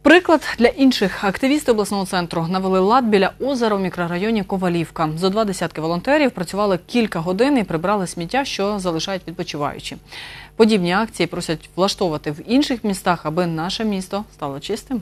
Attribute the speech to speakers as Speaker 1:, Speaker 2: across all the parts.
Speaker 1: Приклад для інших. Активісти обласного центру навели лад біля озера у мікрорайоні Ковалівка. Зо 20 волонтерів працювали кілька годин і прибрали сміття, що залишають відпочиваючі. Подібні акції просять влаштовувати в інших містах, аби наше місто стало чистим.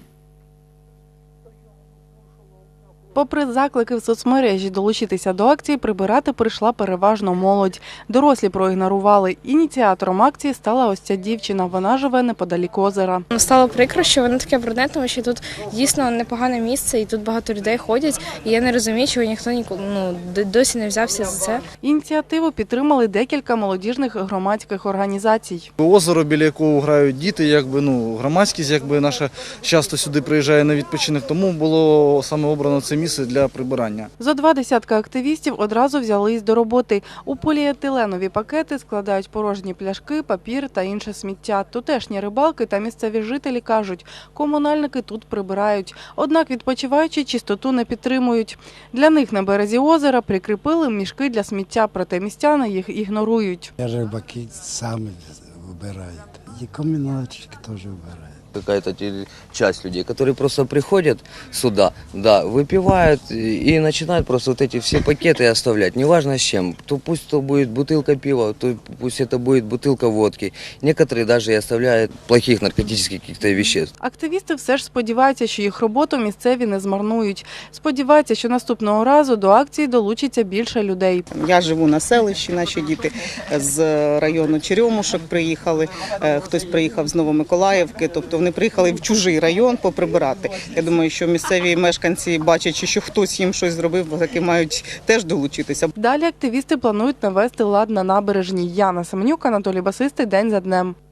Speaker 2: Попри заклики в соцмережі долучитися до акції, прибирати прийшла переважно молодь. Дорослі проігнорували. Ініціатором акції стала ось ця дівчина. Вона живе неподалік озера.
Speaker 3: Стало прикро, що воно таке брудне, тому що тут дійсно непогане місце і тут багато людей ходять. І я не розумію, чого ніхто досі не взявся за це.
Speaker 2: Ініціативу підтримали декілька молодіжних громадських організацій.
Speaker 4: Озеро, біля якого грають діти, громадськість наша часто сюди приїжджає на відпочинок, тому було саме обрано це місце для прибирання.
Speaker 2: Зо 20 активістів одразу взялись до роботи. У поліетиленові пакети складають порожні пляшки, папір та інше сміття. Тутешні рибалки та місцеві жителі кажуть, комунальники тут прибирають. Однак відпочиваючі чистоту не підтримують. Для них на березі озера прикріпили мішки для сміття, проте містяни їх ігнорують.
Speaker 5: Рибаки самі вибирають. І комунальники теж вибирають.
Speaker 6: Какая-то часть людей, которые просто приходят сюда, выпивают и начинают просто вот эти все пакеты оставлять, неважно с чем. То пусть это будет бутылка пива, то пусть это будет бутылка водки. Некоторые даже и оставляют плохих наркотических каких-то веществ.
Speaker 2: Активісти все ж сподіваються, що їх роботу місцеві не змарнують. Сподіваються, що наступного разу до акції долучиться більше людей.
Speaker 7: Я живу на селищі, наші діти з району Черемушок приїхали, хтось приїхав з Новомиколаївки, тобто вони приїхали в чужий район поприбирати. Я думаю, що місцеві мешканці, бачачи, що хтось їм щось зробив, таки мають теж долучитися.
Speaker 2: Далі активісти планують навести лад на набережній. Яна Семенюк, Анатолій Басистий. День за днем.